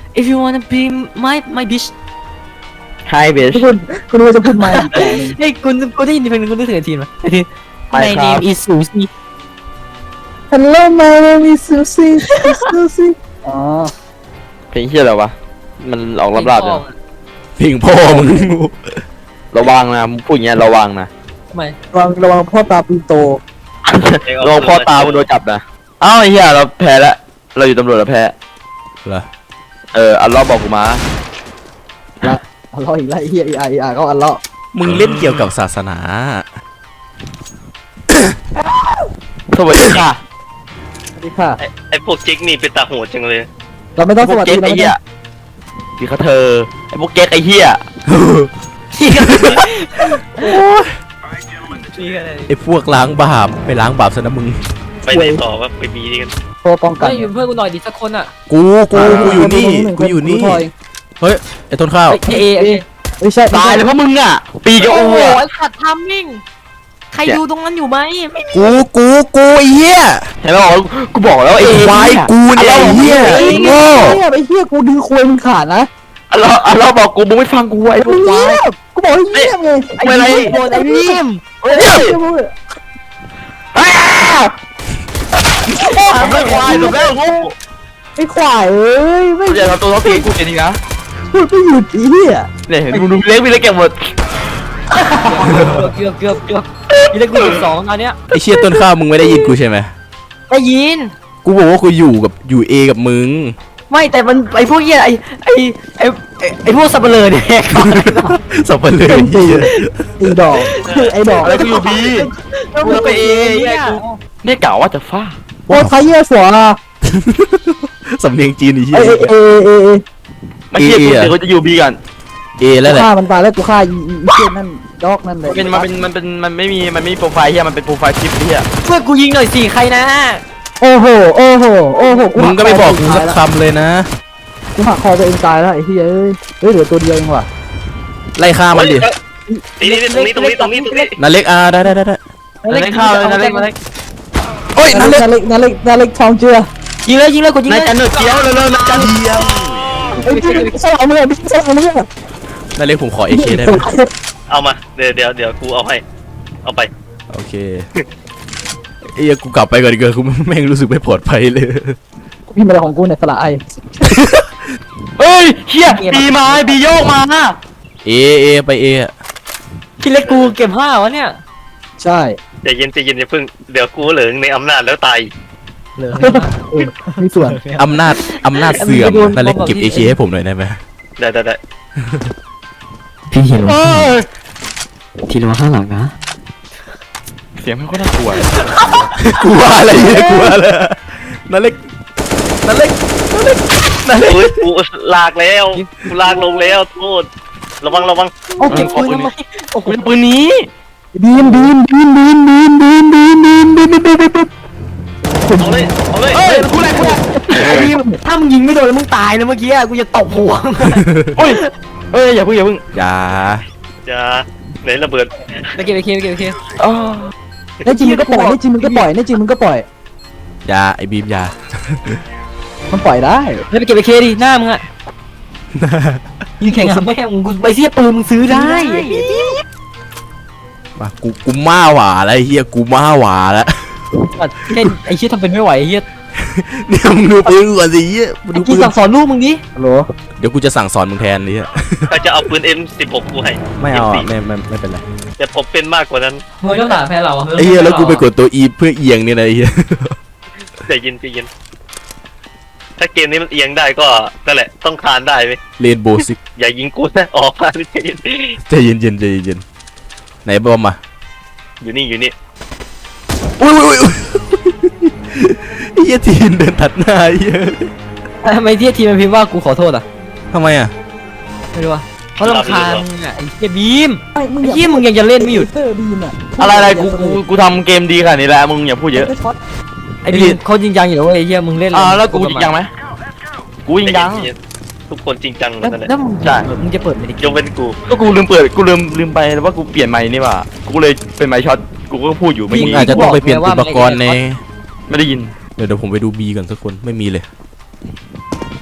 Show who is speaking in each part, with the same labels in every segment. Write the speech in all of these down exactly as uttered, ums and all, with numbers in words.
Speaker 1: if you wanna be my my bitch
Speaker 2: Hi bitch
Speaker 3: คุณคุณว่าจะพูดไหม
Speaker 1: เฮ้ยคุณคุณได้ยินเพลงคุณนึกถึงไอ้ทีมไหมไอ้ทีม
Speaker 2: ไม่
Speaker 1: My
Speaker 2: ครับ
Speaker 1: name is Susie
Speaker 3: Hello my name is Susie Susie อ๋อ
Speaker 2: เพลงเฮียอะไรวะมันออกลับๆเนี่ย
Speaker 4: เพลงพ่อมึง
Speaker 2: ระวังนะมึงพูดอย่างเงี้ยระวังนะ
Speaker 1: ทำไม
Speaker 3: ระวังระวังพ่อตาปืนโต
Speaker 2: ระวังพ่อตามึงโดนจับนะอ้าวไอ้เฮียเราแพ้แล้วเราอยู่ตำรวจเราแพ้
Speaker 4: เหรอ
Speaker 2: เอออัลลอฮ์บอกกูมา
Speaker 3: ละอัลเลาะห์อีกแล้วไอ้เฮียไอ้ไอ้ไอ้เขาอัลเลาะห์
Speaker 4: มึงเล่นเกี่ยวกับศาสนา
Speaker 2: สวัสดีค่ะ
Speaker 3: สวัสดีค่ะ
Speaker 5: ไอ้ไอ้พวกจิกนี่เป็นตาโหดจังเลย
Speaker 3: เราไม่ต้อง
Speaker 2: พ
Speaker 3: ส
Speaker 2: วก
Speaker 3: วัส
Speaker 2: เก๊
Speaker 3: ดี
Speaker 2: ก
Speaker 3: เรา
Speaker 2: ไอ้
Speaker 3: ไม่
Speaker 2: เหี้ย
Speaker 3: ต้อง
Speaker 2: พี่เขาเธอไอ้พวกเก๊กไอ้เหี้ย
Speaker 4: ไอ้พวกล้างบาปไปล้างบาปซะนะมึง
Speaker 5: ไปไหนต่อวะไปบีกัน
Speaker 3: โทรป้องกัน
Speaker 1: เฮ้ยอยู่เพื่อนกูหน่อยดิสักคนอ่ะ
Speaker 4: กูกูกูอยู่นี่กูอยู่นี่
Speaker 3: ถอย
Speaker 4: เฮ้ยไอ้ต้นข้าว
Speaker 1: เฮ้ยเอเอ
Speaker 3: ไม่ใช่ไม่
Speaker 2: ตาย
Speaker 3: ใช่
Speaker 2: เลยเพราะมึงอ่ะปีกับ
Speaker 1: โอ้
Speaker 2: อู
Speaker 1: โห
Speaker 2: อ่ะ
Speaker 1: ไอ้ขัดทัมมิ่งใครดูตรงนั้นอยู่ไหมไม่มี
Speaker 4: กูกูกูไอ้เหี้ย
Speaker 2: เห็นไหมบอกกูบอกแล้ว
Speaker 4: ไอ้
Speaker 2: ไอ้
Speaker 4: ควายกูเนี่ยไอ้เหี้ย
Speaker 3: ไอ้
Speaker 4: ไอ้
Speaker 3: เหี้
Speaker 4: โง่
Speaker 3: ยไอ้เหี้ยกูดึงควยมึงขาดนะ
Speaker 2: อัลลอฮ์อัลลอฮ์บอกกูมึงไม่ฟังกูไอ้พว
Speaker 3: มึ
Speaker 2: ก
Speaker 3: ง
Speaker 2: ควา
Speaker 3: เงี
Speaker 2: ย
Speaker 3: ยบกูบอกให้เงียบไง
Speaker 2: ไอ้อะไร
Speaker 1: โดนไอ้พิม
Speaker 2: เฮ้ย
Speaker 3: เงียบมึง
Speaker 2: อ้าวทำได้ควายทำได้งู
Speaker 3: ไอ้ควายเอ้ยไม่
Speaker 2: กูจะทำตัวท้องตีกูเองดีนะ
Speaker 3: พูดไม่หยุดไอ้เหี้ย
Speaker 2: เนี่ยเห็นมึงดูเล็กพี่เล็กแกหมด
Speaker 1: เกือบเกือบเกือบยี่ได้กูสิบสองตอนเนี้ย
Speaker 4: ไอ้เชี่ยต้นข้าวมึงไม่ได้ยินกูใช่ไหม
Speaker 1: ได้ยิน
Speaker 4: กูบอกว่ากูอยู่กับอยู่เอกับมึง
Speaker 1: ไม่แต่มันไอ้พวกเหี้ยไอ้ไอ้ไอ้ไอ้ไอ้พวกสับเปลือเนี่ย
Speaker 4: สับปะเลยเหี้ย
Speaker 3: ไอ้ดอกไอ้ดอก
Speaker 2: อะไรกูอยู่บี
Speaker 1: กูไปเองเนี่ย
Speaker 2: เนี่ยเก่าว่าจะฟา
Speaker 3: โอ้ไทยเหี้ยสัวอ่ะ
Speaker 4: สำเนียงจีนไอ้เหี้
Speaker 3: เอย เอเอเอเอ
Speaker 2: ไม่เชื่อกูเดี๋ยวกูจะอยู่บีกัน
Speaker 4: เอแล้วแหละ
Speaker 3: ฆ่ามันตายแล้วกูฆ่าอีอีเหี้ยนั่นดอกนั่นเลย
Speaker 2: เป็นมันเป็นมันเป็นมันไม่มีมันไม่มีโปรไฟล์เฮียมันเป็นโปรไฟล์คลิปเฮีย
Speaker 1: ช่วยกูยิงหน่อยสิใครนะ
Speaker 3: โอ้โหโอ้โหโอ้โห
Speaker 4: มึงก็ไม่บอกกูสักคำเลยนะ
Speaker 3: กูหักคอตัวเองตายแล้วไอ้เหี้ยเอ้ยเฮ้ยเหลือตัวเดียวเองว่ะ
Speaker 4: ไล่ฆ่ามันดิ
Speaker 5: นี่นี่ตรงนี้ตรงนี้ตรงนี้ตรงนี้
Speaker 4: นาเล็กอ่าได้ได้ได้ได้
Speaker 2: นั่นเล็กข้าวเลยนั่นเล็กนั่นเล็ก
Speaker 4: โอ้ย
Speaker 3: นา
Speaker 4: นา
Speaker 3: เล็
Speaker 4: เล็
Speaker 3: ก
Speaker 4: ก
Speaker 3: นาเล็กนาเล็กนาเล็กทองเจือ
Speaker 1: ยิงเลยยิงเลยกูยิง
Speaker 2: นา
Speaker 1: เลย ย
Speaker 2: จันเนอร์เจียวเร็วๆนาจัน
Speaker 3: ไอ้พี่สลามมึงอ่ะพี่สลามมึงอ่ะ
Speaker 4: นาเล็กผมขอเอเคได้ไหม
Speaker 5: เอามาเดี๋ยวเดี๋ยวเดี๋ยวกูเอาให้เอาไป
Speaker 4: โอเคเอ้ยกูกลับไปก่อนดีกว่ากูแม่งรู้สึกไม่ปลอดภัยเลย
Speaker 3: พี่มาของกูเนี่ยสละไอ
Speaker 2: เฮ้ยเฮียบีมาบีโยกมา
Speaker 4: เอเอไปเออะ
Speaker 1: พี่เล็กกูเก็บห้าวะเนี่ย
Speaker 3: ใช่
Speaker 5: ใจเย็นใจเย็นอย่าเพิ่งเดี๋ยวกูเหลืองในอำนาจแล้วตาย
Speaker 1: เหลือ
Speaker 3: เออมีส่วน
Speaker 4: อำนาจอำนาจเสื่อมนาเล็กเก็บเอเคให้ผมหน่อยได้ไหม
Speaker 5: ได้ได้ได้
Speaker 1: พี่เห็น
Speaker 2: เฮ้ย
Speaker 1: ทีระวังข้างหลังนะ
Speaker 2: เสียงไม่ค่อยน่ากลัว
Speaker 4: กลัวอะไรเนี่ยกลัวอะไรนาเล็กนาเล็กนาเล็กนาเล็ก
Speaker 5: โอ้ยกูลากแล้วกูลากลงแล้วโทษระวังระวัง
Speaker 1: โอ้เก็บปืนทำไมโอ้โห
Speaker 2: กูจะปืนนี้
Speaker 3: บีมบีมบีมบีมบีมบีมบีมบีมบีมบีมบีมบีม
Speaker 5: เอาเลยเอาเลย
Speaker 2: เฮ้ยกูแหละกูแหละ
Speaker 1: ไอ้นี่ถ้ามึงยิงไม่โดนแล้วมึงตายนะเมื่อกี้กูจะตบหัว
Speaker 2: เฮ้ยเฮ้ยอย่าเพิ่งอย่าเพิ่ง
Speaker 4: อย่า
Speaker 5: จะไหนระเบิด
Speaker 1: ไปเก็บไปเก็บไปเก็บไปเก็บ
Speaker 2: อ๋อ
Speaker 3: ในจริงมึงก็ปล่อยในจริงมึงก็ปล่อยในจริงมึงก็ปล่อย
Speaker 4: อย่าไอ้บีมอย่า
Speaker 3: มันปล่อยได้
Speaker 1: เฮ้ยไปเก็บไปเคดิหน้ามึงอะยิงแข่งกับแม่มึงกูไปเสียปืนมึงซื้อได้
Speaker 4: มากูกูม่าหวาแล้วไอ้เฮียกูม่าหวาแล้ว
Speaker 1: แค่ไอ้เชี่ยทำเป็นไม่ไหวไอ้เฮีย
Speaker 4: เนี่ยมึงดูปืนก่อนสิเฮียมึง
Speaker 1: ไอ้
Speaker 4: ดู
Speaker 1: กี
Speaker 4: ปืน
Speaker 1: สั่งสอนลูกมึงดิ
Speaker 3: ฮัลโหล
Speaker 4: เดี๋ยวกูจะสั่งสอนมึงแทนเลยอะ
Speaker 5: ใครจะเอาปืน เอ็ม สิบหก กูให้
Speaker 4: ไม่เอา
Speaker 5: เอ็
Speaker 4: อะ
Speaker 5: ม
Speaker 4: ไม่ไม่ไม่เป็นไร
Speaker 5: แต่ผมเป็นมากกว่านั้น
Speaker 1: มึงต้องด่าแพ้เรา
Speaker 4: ไอ้เฮียแล้วกูไปกดตัวอีเพื่อเอียงเนี่ยนะไอ้เฮีย
Speaker 5: ใจเย็นใจเย็นถ้าเกมนี้มันเอียงได้ก็นั่นแหละต้องคานได้ไหม
Speaker 4: เรนโบว์ซิก
Speaker 5: อย่ายิงกูนะออกมาใจเย็น
Speaker 4: ใจเย็นเย็นใจเย็นไหนบอมมา
Speaker 5: อยู่นี่อยู่นี่
Speaker 4: อุ้ยอุ้ยอุ้ยไอ้เฮียทีนเดินตัดหน้าไอ้เฮีย
Speaker 1: ทำไมที่ทีมมันพิมพ์ว่ากูขอโทษอ่ะ
Speaker 4: ทำไมอ่ะ
Speaker 1: ไม่รู้ว่าเพราะรำคาญมึงอ่ะไอ้เฮียบีม
Speaker 3: ไอ้มึง
Speaker 1: ไอ้เฮียมึงยังจะเล่นไม่หยุด
Speaker 3: เตอร์บีมอ่ะ
Speaker 2: อะไรอะไรกูกูกูทำเกมดีขนาดนี้แล้วมึงอย่าพูดเยอะ
Speaker 1: ไอ้บีมเขาจริงจังอยู่แล้วเว้ยไอ้เฮียมึงเล่น
Speaker 2: อ่าแล้วกูจริงจังไหมกูจริงจัง
Speaker 5: ใจเย็นทุกคนจริงจังหม
Speaker 1: แล้ว
Speaker 5: ดนั่นแหละ
Speaker 1: แล้วมึง
Speaker 2: ใช่
Speaker 1: มึงจะเปิดไหมดิ
Speaker 5: ยกเว้นกู
Speaker 2: ก็กูลืมเปิดกูลืมลืมไปว่ากูเปลี่ยนไมค์นี่ว่ากูเลยเป็นไมค์ช็อตกูก็พูดอยู่ไม่
Speaker 4: มึง
Speaker 2: มี
Speaker 4: อาจจะต้องไปเปลี่ยนอุปกรณ์ใน
Speaker 2: ไม่ได้ยิน
Speaker 4: เดี๋ยวเดี๋ยวผมไปดูบีก่อนสักคนไม่มีเลย
Speaker 2: ไป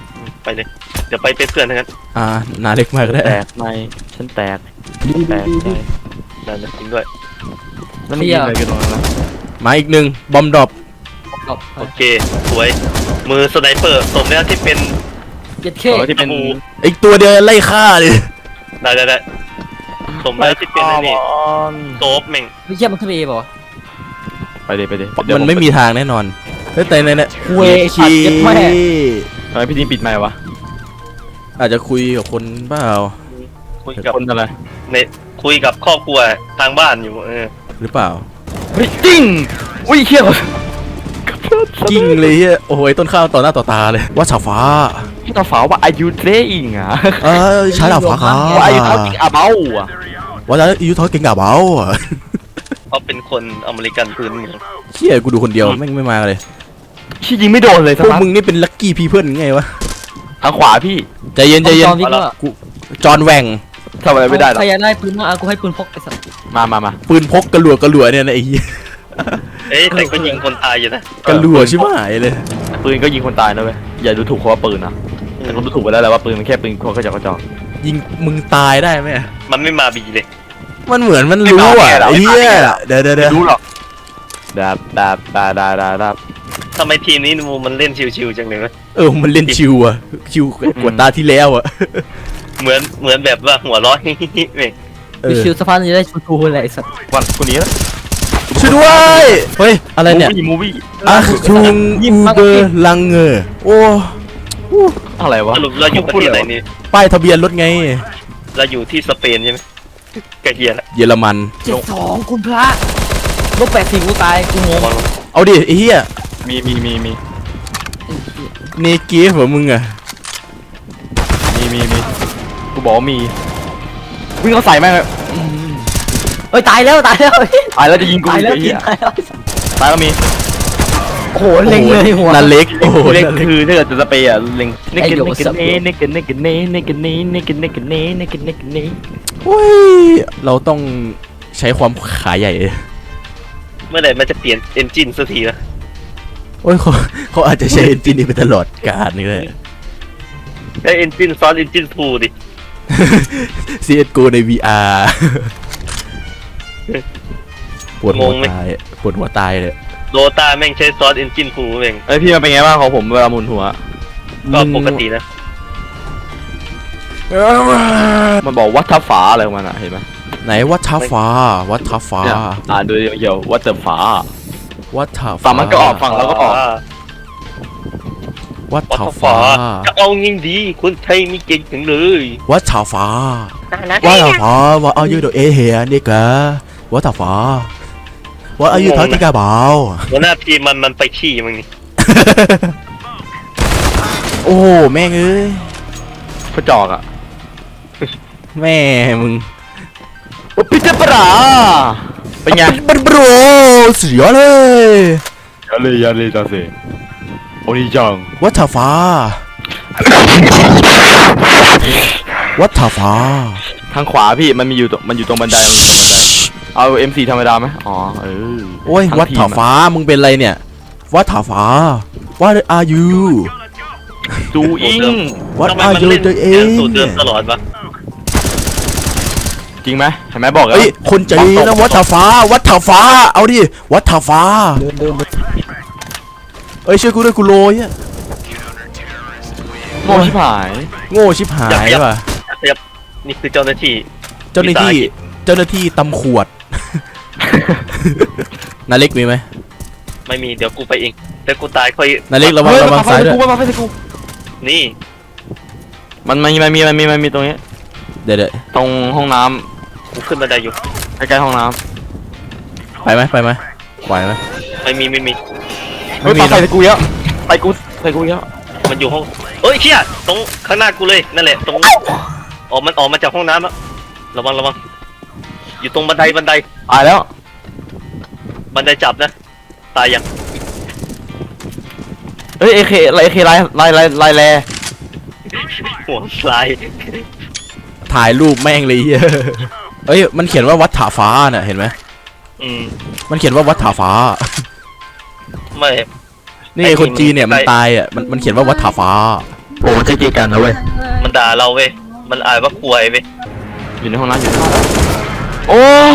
Speaker 5: ไปเลยเดี๋ยวไปเป็นเพื่อนทั้งนั้น
Speaker 4: อ่านาเล็กมากก็ได้
Speaker 2: แตกในฉันแตกแตกใน
Speaker 5: นั่นนะจริงด้วย
Speaker 2: นั่นมันยิงอะไรกันวะ
Speaker 4: มาอีกหนึ่งบอมดรอป
Speaker 5: โอเคสวยมือสไนเปอร์สมแล้วที่เป็น
Speaker 1: เจ็ดเค
Speaker 2: ตัวที่เป็น
Speaker 5: ตะปู
Speaker 4: อีกตัวเดียวไล่ฆ่าเลย
Speaker 5: ได้ได้ได้สมแล้วที่เป็นไอ้นี่
Speaker 2: บอล
Speaker 5: โซฟแม่ง
Speaker 1: ไม่เยี่ยมมันขึ้นไปเอป่าวะ
Speaker 2: ไปดิไปดิ
Speaker 4: มันไม่มีทางแน่นอนเฮ้ยแต่ในเนี่ย
Speaker 1: เวชัดเจ็ดแม่
Speaker 2: ทำไมพี่ทีมปิดไมค์วะ
Speaker 4: อาจจะคุยกับคนเปล่า
Speaker 5: คุยกับ
Speaker 2: คนอะไร
Speaker 5: เนคุยกับครอบครัวทางบ้านอยู่เออ
Speaker 4: หรือเปล่า
Speaker 2: เฮ้ยจริงอุ้ยเขี้ยว
Speaker 4: กิ้งเลยเฮียโอ้โหต้นข้าวต่อหน้าต่อตาเลยว่าฉาฟ้า
Speaker 2: พี่ตาฝาว่าอายุเทอิงอ่ะ
Speaker 4: เออใช้ดาบฟ้าครับ
Speaker 2: ว่าอายุเท่าจริงอาเบ้าอ่ะ
Speaker 4: ว่าจะอายุเท่าเก่งกับเบาอ่ะ
Speaker 5: เขาเป็นคนอเมริกันพื้นเมือง
Speaker 4: เชี่ยกูดูคนเดียวแม่งไม่มาเลย
Speaker 2: ชี้ยิงไม่โดนเลย
Speaker 4: พ
Speaker 2: สัก
Speaker 4: วก
Speaker 2: นัด
Speaker 4: มึงนี่เป็นลัคกี้พีเพิลไงวะ
Speaker 2: ทางขวาพี่
Speaker 4: ใจเย็นใจเย็น
Speaker 1: จอห์นวิกว่า
Speaker 4: กูจอห์นแหวง
Speaker 2: ทำอะไรไม่ได้หรอก
Speaker 1: ใครอยากได้ปืนมาเอากูให้ปืนพกไอ้สัส
Speaker 2: มามามา
Speaker 4: ปืนพกกระหลัวกระหลัวเนี่ยนะไอ้เหี้ย
Speaker 5: เอ้ยแต่ก็ยิงคนตายอยู่นะ
Speaker 4: กระหลัวชิบหายเลย
Speaker 2: ปืนก็ยิงคนตายนะเว้ยอย่าดูถูกเขาว่าปืนนะแต่คนดูถูกไปแล้วแหละว่าปืนมันแค่ปืนคนกระจอกกระจอก
Speaker 4: ยิงมึงตายได้ไหม
Speaker 5: มันไม่มาบีเลย
Speaker 4: มันเหมือนมันรู้อ่ะไอ้เหี้ยเดี๋ยวเดี๋ยวเดี๋ยว
Speaker 2: ไม่รู้หรอกดาบดาบดาบดาบดาบดาบ
Speaker 5: ทำไมทีมนี้มูมันเล่นชิวๆจังเลยวะ
Speaker 4: เออมันเล่นชิวอ่ะชิวกว่าตาที่แล้วอ่ะ
Speaker 5: เหมือนเหมือนแบบว่าหัวเร้อน เว้ย
Speaker 4: เอ
Speaker 1: วิ
Speaker 4: อ
Speaker 1: ชิวสะพานจะได้ชูทูอะไรไอ้สัส
Speaker 2: วันคนนี้นะ
Speaker 4: ช่วยด้วยเฮ้ยอะไรเนี่ย
Speaker 2: มูวี่
Speaker 4: อ่ะชุงอูเบอร์ลังเงอโอ้
Speaker 2: อะไรวะ
Speaker 5: สรุปเราอยู่ประเทศไหนนี่
Speaker 4: ป้ายทะเบียนรถไง
Speaker 5: เราอยู่ที่สเปนใช่ไหมกระเฮียละ
Speaker 4: เยอรมัน
Speaker 1: เจ็ดสองคุณพระลบแปดสี่กูตายกูงง
Speaker 4: เอาดิไอ้เหี้ย
Speaker 2: มีมีมีมี
Speaker 4: เนเกีฟเหรอมึงอ่ะ
Speaker 2: มีมีมีกูบอกว่ามีวิ่งเขาใส่แม่งเลย
Speaker 1: เอ้ยตายแล้วตายแล้ว
Speaker 2: ตายแล้วจะยิงกู
Speaker 1: ตายแล้ว
Speaker 2: ไอ้
Speaker 1: ที
Speaker 2: เหี้ย
Speaker 1: ตายแล้ว
Speaker 2: ตายแล้วมี
Speaker 1: โอ้โหเล็งเลยหัว
Speaker 4: นันเล็กโอ้โห
Speaker 2: เล็ก
Speaker 4: นันเล็ก
Speaker 2: คือถ้าเกิดจะสเปย์อะเล็งเน
Speaker 1: ไอ้
Speaker 2: กัน
Speaker 1: โย
Speaker 2: เนกัน
Speaker 1: สับ
Speaker 2: เนเนกันเนกันเนเนกันเนเนกันเนกันเนเนกันเนกันเน
Speaker 4: โอ้ยเราต้องใช้ความขาใหญ่
Speaker 5: เมื่อไหร่มันจะเปลี่ยนเอนจินสักทีนะ
Speaker 4: โอ้ยเขาเขาอาจจะใช้เอนจินนี้ไปตลอดกาลนี่เลย
Speaker 5: ไอเอนจินซ้อนเอนจินทูดิ
Speaker 4: ซี เอส จี โอ ใน วี อาร์ ปวดหัวตายปวดหัวตายเลย
Speaker 5: โดตาแม่งใช้ซ้อนเอนจินทูแม่ง
Speaker 2: เอ้ยพี่มันเป็นไงบ้างของผมเวลาหมุนหัว
Speaker 5: ก็ปกตินะ
Speaker 2: มันบอกวัดทับฝาอะไรของมันอะเห็นไหม
Speaker 4: ไหนวัดท้าฟ้าวัดท้าฟ้า
Speaker 2: เนี่ยอ่านดูเดี๋ยววัดเติมฝา
Speaker 4: วัดท้า
Speaker 2: ฝั่งมันก็ออกฝั่งเราก็ออก
Speaker 4: วัด
Speaker 5: วัด
Speaker 4: ท้า
Speaker 5: ฟ้า
Speaker 4: ฟ้า
Speaker 5: จะเอายิงดีคนไทยมีเก่งถึงเลย
Speaker 4: วัดท้าฟ้าวัดท้าฟ้าว่าอายุเดเอเฮียนี่กะวัดท้าฟ้าว่าอายุเท่าที่กะเบา
Speaker 5: หัวหน้าทีมมันมันไปขี้มึงนี่
Speaker 4: โอ้แม่งเอ้ย
Speaker 2: กระจอกอะ
Speaker 4: แม่มึง
Speaker 2: พิจารณาเป็นไง
Speaker 4: บันโบรสุดยอดเลย
Speaker 2: ยาเลยยาเลยจ้าเซ่โอนิจัง
Speaker 4: วัดท้าฟ้าวัดท้าฟ้า
Speaker 2: ทางขวาพี่มันมีอยู่ตรงมันอยู่ตรงบันไดมันอยู่ตรงบันไดเอา เอ็ม โฟร์ ธรรมดาไหมอ๋อเออ
Speaker 4: โอ้ย
Speaker 2: ทั้ง
Speaker 4: วัด
Speaker 2: ทีม
Speaker 4: ท้า
Speaker 2: อะ
Speaker 4: ฟ้ามึงเป็นไรเนี่ยวัดท้าฟ้า What are you
Speaker 2: ดูอิง
Speaker 4: What
Speaker 5: ทำไม
Speaker 4: are
Speaker 5: มัน
Speaker 4: you
Speaker 5: เล่น
Speaker 4: doing
Speaker 5: สูตรเดิมตลอดวะ
Speaker 2: จริงไหมเห็นไหมบอกแล้ว
Speaker 4: เฮ้ยคนใจดีนะวัดท้าฟ้าวัดท้าฟ้าเอาดิวัดท้าฟ้าเอ้ยช่วยกูด้วยกูโรยอะ
Speaker 2: โง่ชิบหาย
Speaker 4: โง่ชิบหายว่ะ
Speaker 5: เรียบนี่คือเจ้าหน้าที่
Speaker 4: เจ้าหน้าที่เจ้าหน้าที่ตำขวด นาเล็กมีไหม
Speaker 5: ไม่มีเดี๋ยวกูไปเองแต่กูตายค่อย
Speaker 4: นาเล็กระวังระวังซ้ายด้วย
Speaker 2: กูมาไฟสกู
Speaker 5: นี่
Speaker 2: มันมันมันมีมันมีมันมีตรงนี้
Speaker 4: เดี๋ยวเดี๋ยว
Speaker 2: ตรงห้องน้
Speaker 5: กูขึ้นบันไดอยู่
Speaker 2: ำใกล้ๆห้องน้
Speaker 4: ไปไหมไปไหมไหวไหม
Speaker 5: ไม่มีไม่มี
Speaker 2: ำเฮ้ย
Speaker 4: ไม่มี
Speaker 2: ปา
Speaker 4: นะ
Speaker 2: ใส่สกูเยอะไปกูใส่กูเยอะ
Speaker 5: มันอยู่ห้องเอ้ยเชี่ยตรงข้างหน้ากูเลยนั่นแหละตรงออกมันออกมาจากห้องน้ำแล้วระวังระวังอยู่ตรงบันไดบันได
Speaker 2: ตายแล้ว
Speaker 5: บันไดจับนะตายยัง
Speaker 2: เฮ้ยเอเคไลเอเคไลไลไลไลแล
Speaker 5: หัวสลาย
Speaker 4: ถ่ายรูปแม่งเลยเหี้ยเอ้ยมันเขียนว่าวัดถาฟ้าน่ะเห็นไหม
Speaker 5: อืม
Speaker 4: มันเขียนว่าวัดถาฟ้า
Speaker 5: ไม่
Speaker 4: นี่ไงคนจีนเนี่ยมันตายอ่ะมันมันเขียนว่าวัดถาฟ้า
Speaker 2: โอ้จะกีกันนะเว้ย
Speaker 5: มันด่าเราเว้ยมันอ่านว่าป่วยเว้ย
Speaker 2: อยู่ในห้องน้ำอยู่ในห้องน้ำโอ้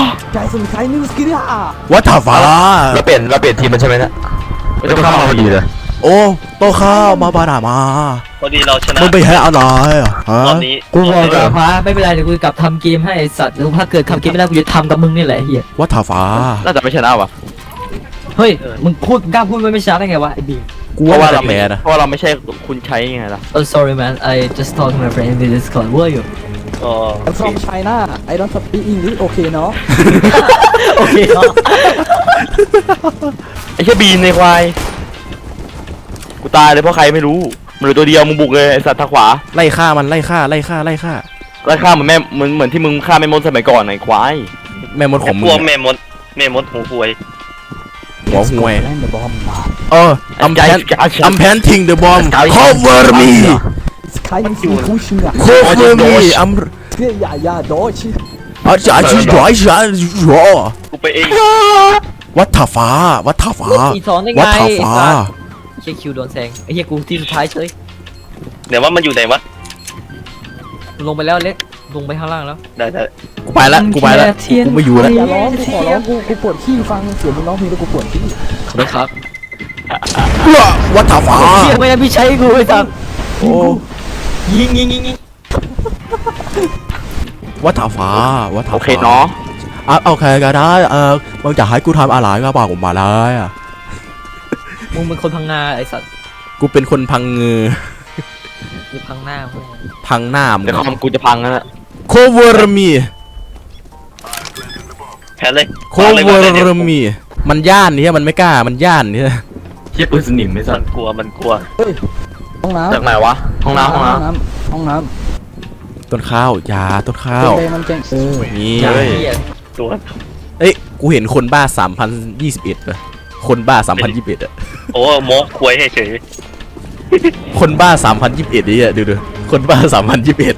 Speaker 4: วัฏฟ้า
Speaker 2: เราเปลี่ยนเราเปลี่ยนทีมมันใช่ไหมนะไม่ต้องเข้ามาพอดีเลย
Speaker 4: โอ้โตข้าวมาบานามา
Speaker 5: พอดีเราชนะ
Speaker 4: มึงไปแห่อะไรอ่ะฮะ
Speaker 5: รอบนี้
Speaker 1: กูบอกกับฟ้าไม่เป็นไรเดี๋ยวกูกลับทำเกมให้ไอ้สัตว์แล้วถ้าเกิดทำเกมไม่ได้กูจะทำกับมึงนี่แหละไอ้เฮีย
Speaker 4: วัฏฟ้า
Speaker 2: น่าจะไม่ชนะว่ะ
Speaker 1: เฮ้ยมึงพูดกล้าพูดไม่ช้าได้ไงวะไอ้บี
Speaker 4: กู
Speaker 2: เพ
Speaker 4: ว่า
Speaker 2: ราะว่า
Speaker 4: เรา
Speaker 2: เรา
Speaker 4: แพ้นะ
Speaker 2: เพราะว่าเราไม่ใช่คุณใช้ไงล่ะ
Speaker 1: Oh sorry man I just talked to my friend in Discord where are you
Speaker 5: อ๋อ
Speaker 3: I'm from China I don't speak English โอเคเนาะ
Speaker 1: โอเคเนาะ
Speaker 2: ไอ้แค่บีนในควายกูตายเลยเพราะใครไม่รู้มันเหลือตัวเดียวมึงบุกเลยไอ้สัตว์ทางขวา
Speaker 4: ไล่ฆ่ามันไล่ฆ่าไล่ฆ่าไล่ฆ่า
Speaker 2: ไล่ฆ่าเหมือนแม่เหมือนเหมือนที่มึงฆ่าแม่มดสมัยก่อนไอ้ควาย
Speaker 4: แม่มดของมึ
Speaker 5: พ
Speaker 4: ง
Speaker 5: วกแม่มดแม่มดหูหวย
Speaker 4: หัวห่วย
Speaker 3: แม่งเดอะบอมมา
Speaker 4: เอออัมแพนอัมแพนทิงเดอะบอม cover me
Speaker 3: ใครยังสีคู่เชื่อ
Speaker 4: cover me อัม
Speaker 3: เชื่ออย่าอย่าโดช
Speaker 4: อาจารย์ช่วยช่วยช่วย
Speaker 5: กูไปเอง
Speaker 4: วัฏฟ้าวัฏฟ้า
Speaker 1: อีสอนได้ไง
Speaker 4: วัฏ
Speaker 1: ไอ้
Speaker 4: ฟ้า
Speaker 1: สัตว์เฮียคิวโดนแซงไอ้เฮียกูที่สุดท้ายเฉย
Speaker 5: เดี๋ยวว่ามันอยู่ไหนวะ
Speaker 1: ลงไปแล้วเล็กลงไปข้างล่างแล้ว
Speaker 5: ได้ได้
Speaker 4: กูไปละกูไปละกูไม่อยู่แล้ว
Speaker 3: อย่าร้องกูขอร้องกูกูปวดขี้ฟังเสียงมึงร้องเพลงแล้วกูปวดขี้
Speaker 1: ขอบคุณครับ
Speaker 4: วัฏฟ้า
Speaker 1: เฮียไม่ได้พี่ใช้กูไอ้สัตว์
Speaker 4: โอ้
Speaker 1: ยิงยิงยิงยิง
Speaker 4: วัฏฟ้าวัฏฟ้า
Speaker 2: โอเคเนาะ
Speaker 4: อ่ะโอเคก็ได้เออมึงจะให้กูทำอะไรก็บอกผมมาเลยอ่ะ
Speaker 1: มึงเป็นคนพังงาไอ้สัตว์
Speaker 4: กูเป็นคนพังเงือ
Speaker 1: มึงพังหน้ามึง
Speaker 4: พังหน้ามึง
Speaker 2: เดี๋ยวคอมกูจะพังแล้วนะ
Speaker 4: cover me
Speaker 5: แพ้เลย
Speaker 4: cover me มันย่านเนี่ยมันไม่กล้ามันย่านเนี่ย
Speaker 2: เชี่ยปืนสนิมไม่สั
Speaker 5: มั
Speaker 2: ต
Speaker 5: น
Speaker 2: ว์
Speaker 5: กลัวมันกลัว
Speaker 3: เฮ้ยห้องน้ำ
Speaker 2: จากไหนวะห้องน้ำห้องน้
Speaker 3: ห้องน้ำห้องน้
Speaker 4: ต้นข้าวยาต้นข้า
Speaker 3: ำ
Speaker 4: ว
Speaker 3: เด็กมันเก่งเออ
Speaker 4: นี่
Speaker 1: อย่าเฮีย
Speaker 5: ตัว
Speaker 4: เอ้ยกูเห็นคนบ้าสามพันยี่สิบเอ็ดป่ะคนบ้าสามพันยี่สิบเอ็ดอะ
Speaker 5: โอ้โมกควยให้เฉย
Speaker 4: คนบ้าสามพันยี่สิบเอ็ดนี่อะดูดูคนบ้าสามพันยี่สิบเอ็ด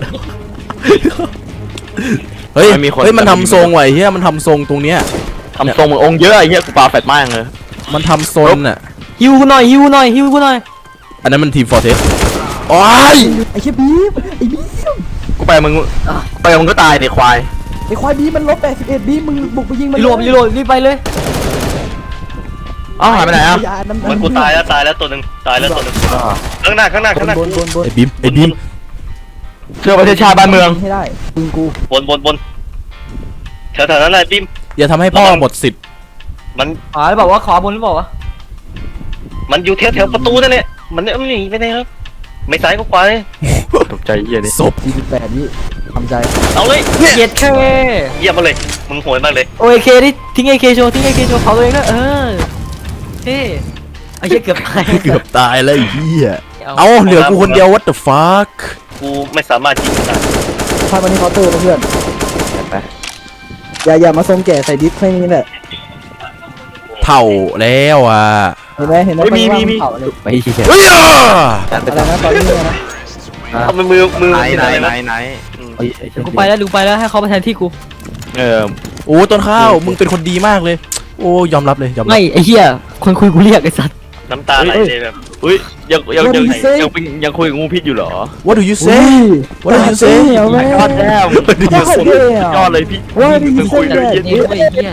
Speaker 4: เฮ้ยเฮ้ยมันทำทรงไว้เฮียมันทำทรงตรงเนี้ย
Speaker 2: ำทำทรงเหมือนองค์เยอะไอ้เหี้ยกูปาแฟตมากเลย
Speaker 4: มันทำโซนอ่ะ
Speaker 1: ฮิวกูหน่อยฮิวกูหน่อยฮิวกูหน่อย
Speaker 4: อันนั้นมันทีมฟอร์เทสโอ้ย
Speaker 3: ไอ้เชี่ยบีมไอ้บีม
Speaker 2: กูไปมึงไปมึงก็ตายดิควาย
Speaker 3: ไอ้ควายบีมมันลบแปดสิบเอ็ดบีมมึงบุกไปยิงมัน
Speaker 1: รีโหลดรีโหลดรีบไปเลย
Speaker 2: อ้าวหายไปไหนอ่ะ
Speaker 3: ยาน้ำ
Speaker 5: มันกูตายแล้วตายแล้วตัวหนึ่งตายแล้วตัวหนึ่งข้างหน้าข้างหน้าข้างหน้า
Speaker 3: บนบนบน
Speaker 4: ไอ้บีมไอ้บีม
Speaker 2: เชื่อประเทศชาติบ้านเมือง
Speaker 3: ให้ได้ปืนกู
Speaker 5: บนบนบนแถวๆนั้นแหละปิม
Speaker 4: อย่าทำให้พ่อหมดสิทธิ์
Speaker 5: มัน
Speaker 1: ขวาหรือเปล่าวะขวาบนหรือเปล่าวะ
Speaker 5: มันอยู่แถวแถวประตูนั่นแหละมันเนี่ยมันหนีไปไหนครับไม่ซ้ายก็ขวาเลย
Speaker 2: ตกใจเหี้ยนี่
Speaker 4: ศพ
Speaker 3: สี่สิบแปดวิทำใจ
Speaker 5: เอาเลย
Speaker 1: เย็ดแค่
Speaker 5: เยี่ยมมาเลยมึงโหยมากเลย
Speaker 1: โอเคดิทิ้งไอเคโชว์ทิ้งไอเคโชว์เผาตัวเองด้วยเออเท่ไอ้เหี้ยเกือบตาย
Speaker 4: เกือบตายแล้วไอ้เหี้ยเอาเหลือกูคนเดียว what the fuck
Speaker 5: กูไม่สามารถยิงได้
Speaker 3: พามาที่เคาน์เตอร์นะเพื่อนอย่าอย่ามาทรงแก่ใส่ดิสแค่นี้แหละ
Speaker 4: เท่าแล้วอ่ะ
Speaker 3: เห็นไหมเห็นไหมเผาเลย
Speaker 1: ไปเหี้ย
Speaker 4: เฮ้ย
Speaker 3: อะไรนะตอนนี้นะ
Speaker 5: เอามือมือมือ
Speaker 2: ไหน
Speaker 5: เป็น
Speaker 2: ไหน
Speaker 5: อะไร
Speaker 2: ไหน
Speaker 5: นะ
Speaker 2: ไหน
Speaker 1: กูไปแล้วดูไปแล้วให้เขามาแทนที่กู
Speaker 2: เออ
Speaker 4: โอ้ต้นข้าวมึงเป็นคนดีมากเลย โอ้ยอมรับเลยยอมรับ
Speaker 1: ไม่ไอ้เหี้ยคนคุยกูเรียกไอ้สัตว์
Speaker 5: น้ำตาไหลเลยแบบ
Speaker 2: อุ้ยยังยังยังยังเป็นยังคุยกับงูพิษอยู่เหรอ
Speaker 4: What do you say What do you say
Speaker 3: เอาไหม
Speaker 2: ยอดแล้ว
Speaker 4: What do you say
Speaker 2: ยอดเลยพี่
Speaker 3: ว่าดี
Speaker 2: มึงคุยกัน
Speaker 3: เส้น
Speaker 2: เย็น
Speaker 1: นี่ไอ้เหี้ย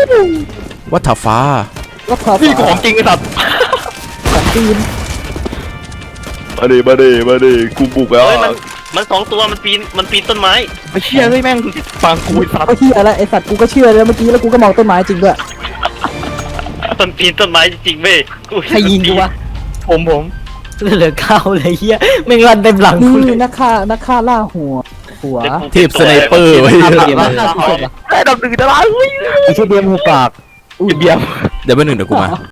Speaker 4: What the fuck
Speaker 3: ก็พา
Speaker 2: พี่ของจริงไอ้สัตว์
Speaker 3: ของตีน
Speaker 2: มาดิมาดิมาดิกูบุกแล้ว
Speaker 5: เฮ้ยมันมันสองตัวมันปีนมันปีนต้นไม้
Speaker 2: ไม่เชื่อเลยแม่งฟังกูไอ้สัตว์
Speaker 3: ก็เชื่อแล้วไอสัตว์กูก็เชื่อแล้วเมื่อกี้แล้วกูก็มองต้นไม้จริงด้วย
Speaker 5: มันปีนต้นไม้จริงๆเว้ย
Speaker 1: ใครยิงกูวะ
Speaker 2: ผมผม
Speaker 1: เหลือเก้าเลยเหี้ยแม่งรันเต็มหลังกูเล
Speaker 3: นี่
Speaker 1: ย
Speaker 3: นักฆ่านักฆ่าล่าหัวหัว
Speaker 4: เทพสไนเปอร์ไว้
Speaker 2: ได้ดับหนึ่งตาราง
Speaker 3: ไอเชี่ยเบียมหัวปาก
Speaker 2: อุ้ยเบียร์
Speaker 4: เดี๋ยวแป๊บนึงเดี๋ยวกูมา